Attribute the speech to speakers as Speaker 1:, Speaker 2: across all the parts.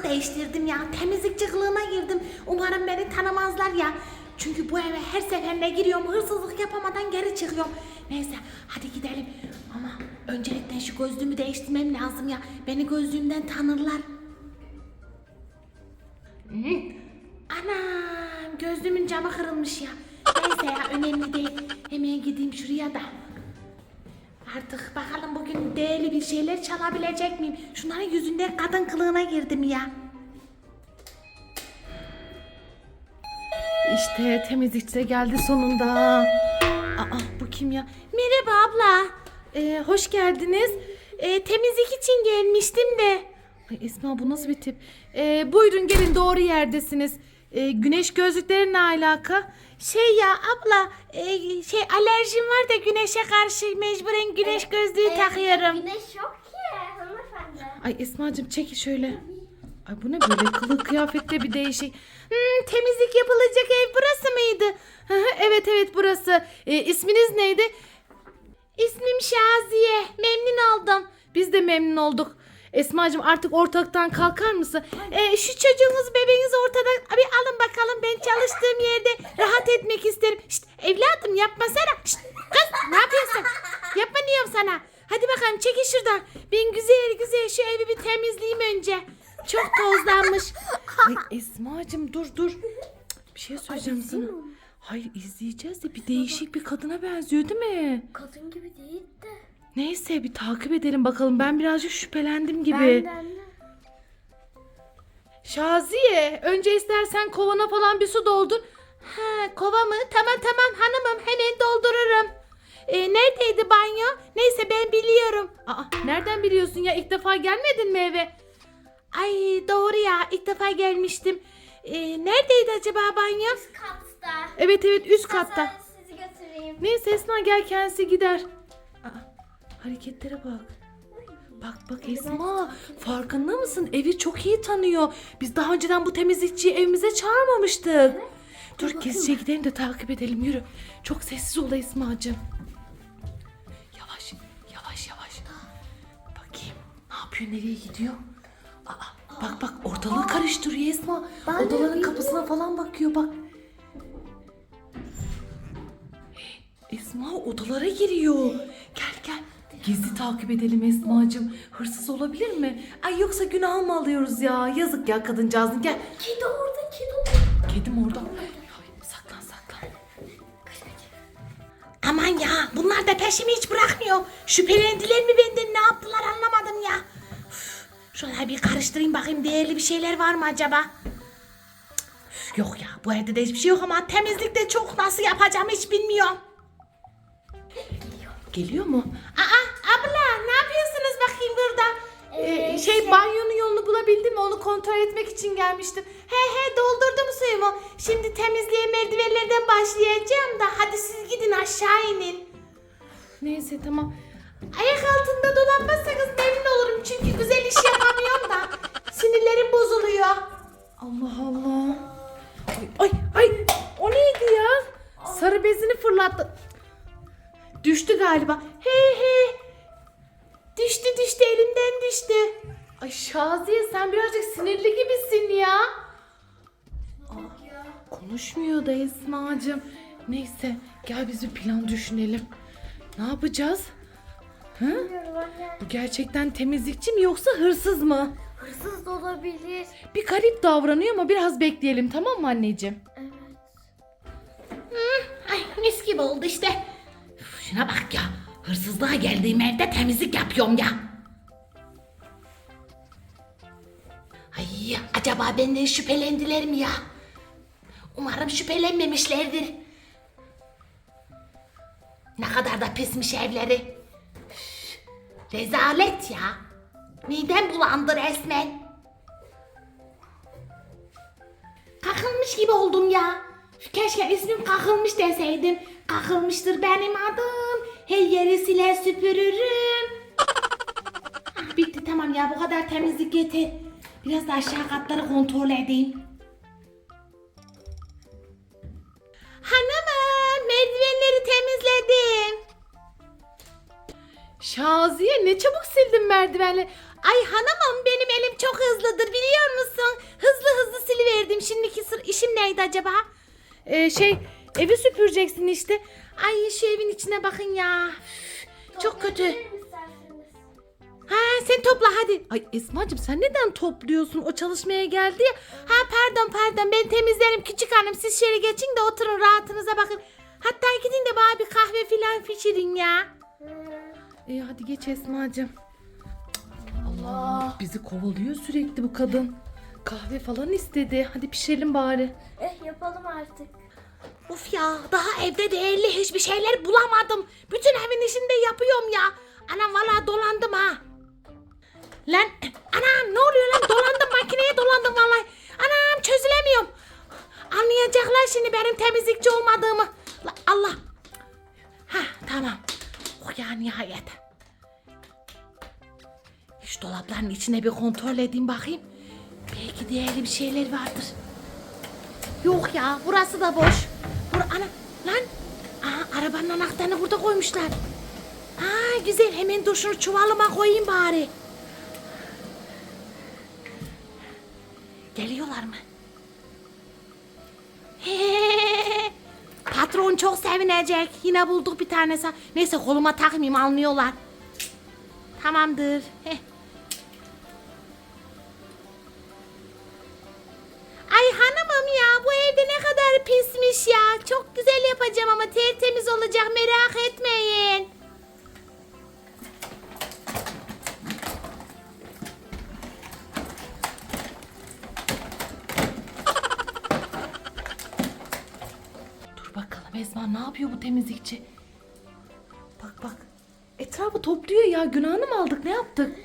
Speaker 1: değiştirdim ya. Temizlikçi kılığına girdim. Umarım beni tanımazlar ya. Çünkü bu eve her seferinde giriyorum. Hırsızlık yapamadan geri çıkıyorum. Neyse hadi gidelim. Ama öncelikle şu gözlüğümü değiştirmem lazım ya. Beni gözlüğümden tanırlar. Anam gözlüğümün camı kırılmış ya. Neyse ya önemli değil. Hemen gideyim şuraya da. Artık bakalım bugün değerli bir şeyler çalabilecek miyim? Şunların yüzünden kadın kılığına girdim ya. İşte temizlikçi de geldi sonunda. Aa bu kim ya? Merhaba abla. Hoş geldiniz. Temizlik için gelmiştim de. Ay Esma bu nasıl bir tip? Buyurun gelin doğru yerdesiniz. Güneş gözlükleri ne alaka? Şey ya abla alerjim var da güneşe karşı mecburen güneş gözlüğü takıyorum.
Speaker 2: Güneş yok ki hanımefendi.
Speaker 1: Ay Esma'cığım çekil şöyle. Ay bu ne böyle kılık kıyafette bir değişik. Temizlik yapılacak ev burası mıydı? Evet burası. İsminiz neydi? İsmim Şaziye. Memnun oldum. Biz de memnun olduk. Esma'cığım artık ortalıktan kalkar mısın? Şu çocuğunuz bebeğiniz ortadan bir alın bakalım, ben çalıştığım yerde rahat etmek isterim. Şşt, evladım yapmasana. Şşt, kız ne yapıyorsun? Yapma diyorum sana. Hadi bakalım çekil şuradan. Ben güzel şu evi bir temizleyeyim önce. Çok tozlanmış. Ay Esma'cığım dur. Cık, bir şey söyleyeceğim sana. Hayır izleyeceğiz de bir değişik bir kadına benziyor değil mi?
Speaker 2: Kadın gibi değil de.
Speaker 1: Neyse bir takip edelim bakalım. Ben birazcık şüphelendim gibi.
Speaker 2: Benden de.
Speaker 1: Şaziye önce istersen kovana falan bir su doldur. Ha kova mı? Tamam hanımım hemen doldururum. Neredeydi banyo? Neyse ben biliyorum. Aa nereden biliyorsun ya, ilk defa gelmedin mi eve? Ay doğru ya, ilk defa gelmiştim. Neredeydi acaba banyo?
Speaker 2: Üst katta.
Speaker 1: Evet üst katta.
Speaker 2: Ben sizi götüreyim.
Speaker 1: Neyse Esma gel kendisi gider. Aa, hareketlere bak. Bak Esma farkında mısın? Evi çok iyi tanıyor. Biz daha önceden bu temizlikçiyi evimize çağırmamıştık.
Speaker 2: Evet.
Speaker 1: Dur gizlice gidelim de takip edelim, yürü. Çok sessiz ol Esma'cığım. Yavaş. Bakayım ne yapıyor, nereye gidiyor? Bak ortalığı karıştırıyor Esma. Odaların kapısına falan bakıyor bak. Esma odalara giriyor. Gel. Gizli takip edelim Esma'cığım. Hırsız olabilir mi? Ay yoksa günah mı alıyoruz ya? Yazık ya kadıncağızın, gel.
Speaker 2: Kedi orada.
Speaker 1: Kedim orada. Ay, saklan. Aman ya bunlar da peşimi hiç bırakmıyor. Şüphelendiler mi benden, ne yaptılar anlamadım ya. Üf, şöyle bir karıştırayım bakayım, değerli bir şeyler var mı acaba? Yok ya bu evde de hiçbir şey yok ama temizlikte çok, nasıl yapacağım hiç bilmiyorum. Geliyor mu? Abla ne yapıyorsunuz bakayım burada? Banyonun yolunu bulabildin mi? Onu kontrol etmek için gelmiştim. He doldurdum suyumu. Şimdi temizliğe merdivenlerden başlayacağım da hadi siz gidin aşağı inin. Neyse tamam. Ayak altında dolanmazsanız memnun olurum çünkü güzel iş yapamıyorum da sinirlerim bozuluyor. Allah. Ay o neydi ya? Sarı bezini fırlattı. Düştü galiba. He. Düştü elimden düştü. Ay Şaziye sen birazcık sinirli gibisin ya. Konuşmuyor da Esma'cığım. Neyse gel biz bir plan düşünelim. Ne yapacağız? Bu gerçekten temizlikçi mi yoksa hırsız mı?
Speaker 2: Hırsız da olabilir.
Speaker 1: Bir garip davranıyor ama biraz bekleyelim, tamam mı anneciğim?
Speaker 2: Evet.
Speaker 1: Ay mis gibi oldu işte. Şuna bak ya. Hırsızlığa geldiğim evde temizlik yapıyorum ya. Ay acaba benden şüphelendiler mi ya? Umarım şüphelenmemişlerdir. Ne kadar da pismiş evleri. Üf, rezalet ya. Midem bulandı resmen. Kakılmış gibi oldum ya. Keşke ismim Kakılmış deseydim. Kakılmıştır benim adım. Her yeri siler süpürürüm. Bitti tamam ya, bu kadar temizlik yeter. Biraz da aşağı katları kontrol edeyim. Hanımım merdivenleri temizledim. Şaziye ne çabuk sildin merdivenleri. Ay hanımım benim elim çok hızlıdır biliyor musun? acaba? Evi süpüreceksin işte. Ay şu evin içine bakın ya. Üf, çok kötü.
Speaker 2: Toplayabilir mi isterseniz?
Speaker 1: Ha sen topla hadi. Ay Esma'cığım sen neden topluyorsun? O çalışmaya geldi ya. Ha pardon ben temizlerim küçük hanım. Siz şöyle geçin de oturun rahatınıza bakın. Hatta gidin de bana bir kahve filan pişirin ya. İyi hadi geç Esma'cığım. Allah bizi kovalıyor sürekli bu kadın. Kahve falan istedi. Hadi pişirelim bari.
Speaker 2: Yapalım artık.
Speaker 1: Of ya daha evde değerli hiçbir şeyler bulamadım. Bütün evin işini de yapıyorum ya. Anam vallahi dolandım ha. Lan anam ne oluyor lan dolandım makineye dolandım vallahi. Anam çözülemiyorum. Anlayacaklar şimdi benim temizlikçi olmadığımı. Allah. Ha tamam. Oh ya nihayet. Şu dolapların içine bir kontrol edeyim bakayım. Belki değerli bir şeyler vardır. Yok ya burası da boş. Ana lan. Aa, arabanın anahtarını burada koymuşlar. Ha güzel hemen dur şunu çuvalıma koyayım bari. Geliyorlar mı? Patron çok sevinecek. Yine bulduk bir tanesi. Neyse koluma takmayayım almıyorlar. Tamamdır. Ay hanımım ya bu evde ne kadar pismiş ya. Çok güzel yapacağım ama tertemiz olacak merak etmeyin. Dur bakalım Esma ne yapıyor bu temizlikçi? Bak. Etrafı topluyor ya günahını mı aldık ne yaptık?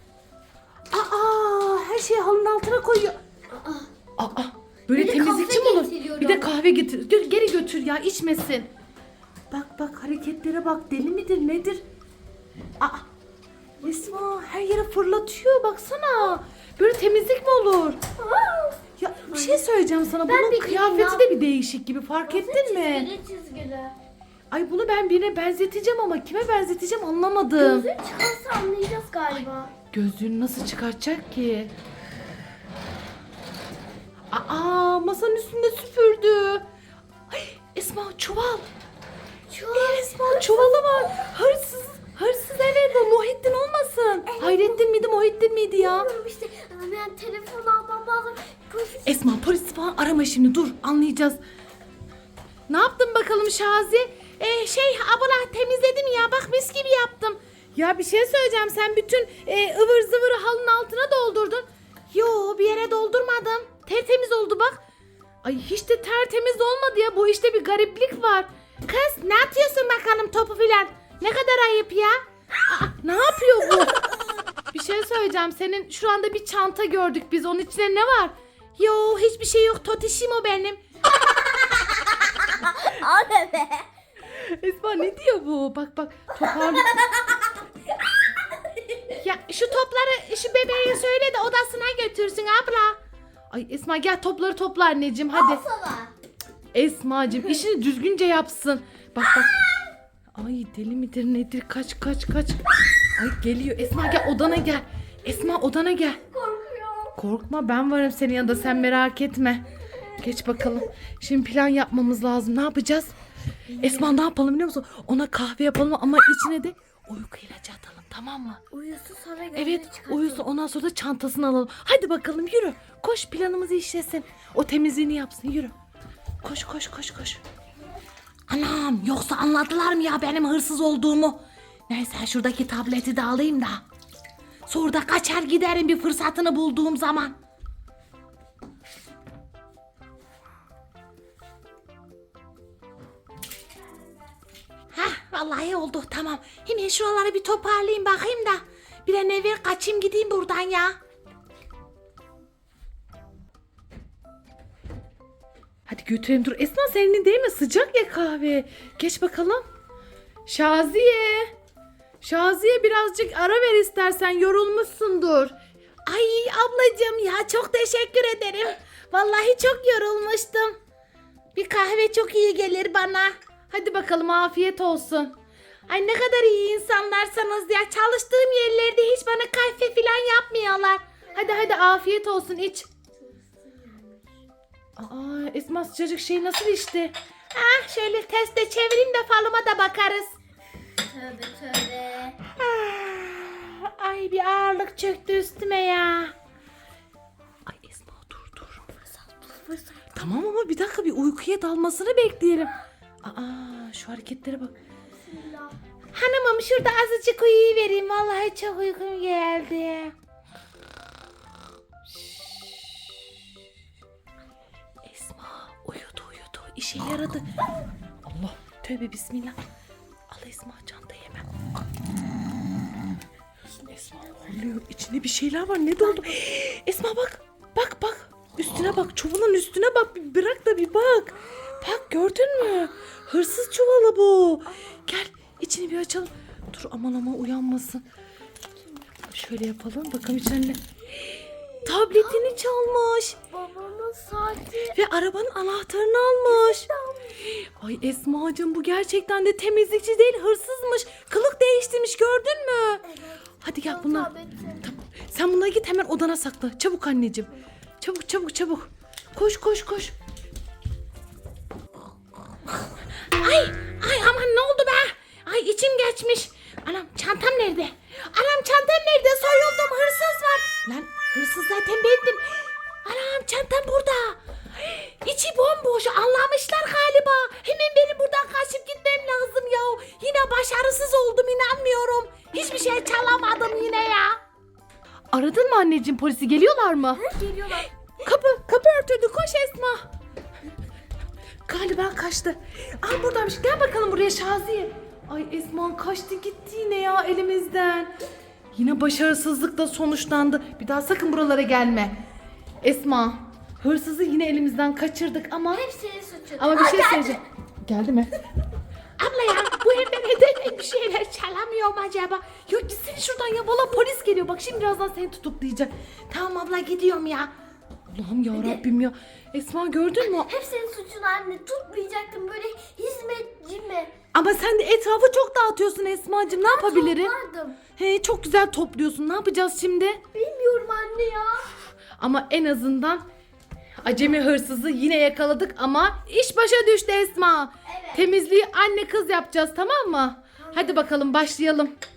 Speaker 1: Aa her şeyi halının altına koyuyor. Aa böyle
Speaker 2: Bir de
Speaker 1: temizlikçi mi
Speaker 2: kahve
Speaker 1: olur?
Speaker 2: getiriyorum.
Speaker 1: Bir de kahve getir. Geri götür ya içmesin. Bak hareketlere bak deli midir nedir? Aa Esma her yere fırlatıyor baksana. Böyle temizlik mi olur? Ya bir şey söyleyeceğim sana.
Speaker 2: Ben
Speaker 1: Bunun
Speaker 2: bir
Speaker 1: kıyafeti
Speaker 2: gideyim
Speaker 1: de bir değişik gibi fark ettin mi?
Speaker 2: Çizgili.
Speaker 1: Ay bunu ben birine benzeteceğim ama kime benzeteceğim anlamadım.
Speaker 2: Gözün çıkarsa anlayacağız galiba.
Speaker 1: Gözlüğünü nasıl çıkartacak ki? Aa masanın üstünde süpürdü. Ay Esma çuval. Esma çuvalı var. Hırsız evet o Muhittin olmasın.
Speaker 2: Evet,
Speaker 1: Hayrettin miydi Muhittin miydi ya?
Speaker 2: Bilmiyorum işte ben telefon almam lazım.
Speaker 1: Esma polis falan arama şimdi dur anlayacağız. Ne yaptın bakalım Şazi? Abla temizledim ya bak mis gibi yaptım. Ya bir şey söyleyeceğim sen bütün ıvır zıvırı halının altına doldurdun. Yo bir yere doldurmadım. Tertemiz oldu bak. Ay hiç de tertemiz olmadı ya bu işte bir gariplik var. Kız ne atıyorsun bakalım topu filan? Ne kadar ayıp ya. Aa, ne yapıyor bu? Bir şey söyleyeceğim senin şu anda bir çanta gördük biz onun içinde ne var? Yo hiçbir şey yok totişim o benim.
Speaker 2: Abi be.
Speaker 1: Esma ne diyor bu? Bak toparlı. Ya şu topları şu bebeğe söyle de odasına götürsün abla. Ay Esma gel topları topla anneciğim hadi.
Speaker 2: Sana.
Speaker 1: Esmacığım işini düzgünce yapsın. Bak. Ay deli midir nedir kaç. Ay geliyor Esma gel odana gel. Esma odana gel.
Speaker 2: Korkuyorum.
Speaker 1: Korkma ben varım senin yanında sen merak etme. Geç bakalım. Şimdi plan yapmamız lazım. Ne yapacağız? Esma ne yapalım biliyor musun? Ona kahve yapalım ama içine de uyku ilacı atalım tamam mı?
Speaker 2: Uyusun sonra gözünü
Speaker 1: Evet
Speaker 2: çıkartalım.
Speaker 1: uyusun ondan sonra da çantasını alalım. Hadi bakalım yürü. Koş planımızı işlesin. O temizliğini yapsın yürü. Koş. Anam yoksa anladılar mı ya benim hırsız olduğumu? Neyse şuradaki tableti de alayım da. Sonra da kaçar giderim bir fırsatını bulduğum zaman. Vallahi oldu tamam. Hemen şuraları bir toparlayayım bakayım da. Bir an evvel kaçayım gideyim buradan ya. Hadi götürelim dur. Esma senin değil mi? Sıcak ya kahve. Geç bakalım. Şaziye birazcık ara ver istersen yorulmuşsundur. Ay ablacığım ya çok teşekkür ederim. Vallahi çok yorulmuştum. Bir kahve çok iyi gelir bana. Hadi bakalım afiyet olsun. Ay ne kadar iyi insanlarsanız ya. Çalıştığım yerlerde hiç bana kahve falan yapmıyorlar. Hadi afiyet olsun iç. Aa, Esma sıcacık şey nasıl içti? Ah, şöyle teste çevireyim de falıma da bakarız.
Speaker 2: Tövbe tövbe.
Speaker 1: Ah, ay bir ağırlık çöktü üstüme ya. Ay Esma dur. Tamam ama bir dakika bir uykuya dalmasını bekleyelim. Aa, şu hareketlere bak.
Speaker 2: Bismillah.
Speaker 1: Hanımım şurada azıcık uyuyuvereyim. Vallahi çok uykum geldi. Esma uyudu. İşe yaradı. Allah tövbe bismillah. Al Esma çantayı hemen. Esma horluyor. İçinde bir şeyler var. Ne doldu? Esma bak. Bak. Üstüne bak. Çuvalın üstüne bak. Bir bırak da bir bak. Bak gördün mü? Hırsız çuvalı bu. Gel içini bir açalım. Dur aman uyanmasın. Şöyle yapalım. Bakalım içinde. Tabletini çalmış.
Speaker 2: Babamın saati.
Speaker 1: Ve arabanın anahtarını almış. Ay Esma'cığım bu gerçekten de temizlikçi değil hırsızmış. Kılık değiştirmiş gördün mü?
Speaker 2: Evet.
Speaker 1: Hadi gel bunlar.
Speaker 2: Tabletim.
Speaker 1: Tamam. Sen bunları git hemen odana sakla. Çabuk anneciğim. Çabuk. Koş. Ay aman ne oldu be? Ay içim geçmiş. Anam çantam nerede? Soyuldum hırsız var. Lan hırsız zaten bendim. Anam çantam burada. İçi bomboş anlamışlar galiba. Hemen benim buradan kaçıp gitmem lazım ya. Yine başarısız oldum inanmıyorum. Hiçbir şey çalamadım yine ya. Aradın mı anneciğim polisi geliyorlar mı?
Speaker 2: Geliyorlar.
Speaker 1: Kapı örtüldü koş Esma. Galiba kaçtı. Aa buradaymış gel bakalım buraya Şaziye. Ay Esma kaçtı gitti yine ya elimizden. Yine başarısızlıkla sonuçlandı. Bir daha sakın buralara gelme. Esma hırsızı yine elimizden kaçırdık ama...
Speaker 2: Hep senin suçun.
Speaker 1: Ama bir şey
Speaker 2: Geldi.
Speaker 1: söyleyeceğim. Geldi mi? Abla ya bu evde neden bir şeyler çalamıyor mu acaba? Yok gitsene şuradan ya valla polis geliyor. Bak şimdi birazdan seni tutuklayacak. Tamam abla gidiyorum ya. Allah'ım ya Rabbim ya. Esma gördün mü?
Speaker 2: Hep senin suçun anne. Tutmayacaktım böyle hizmetçi mi?
Speaker 1: Ama sen de etrafı çok dağıtıyorsun Esma'cığım. Ne yapabilirim?
Speaker 2: Toplardım.
Speaker 1: He çok güzel topluyorsun. Ne yapacağız şimdi?
Speaker 2: Bilmiyorum anne ya.
Speaker 1: Ama en azından acemi hırsızı yine yakaladık ama iş başa düştü Esma.
Speaker 2: Evet.
Speaker 1: Temizliği anne kız yapacağız tamam mı? Hadi bakalım başlayalım.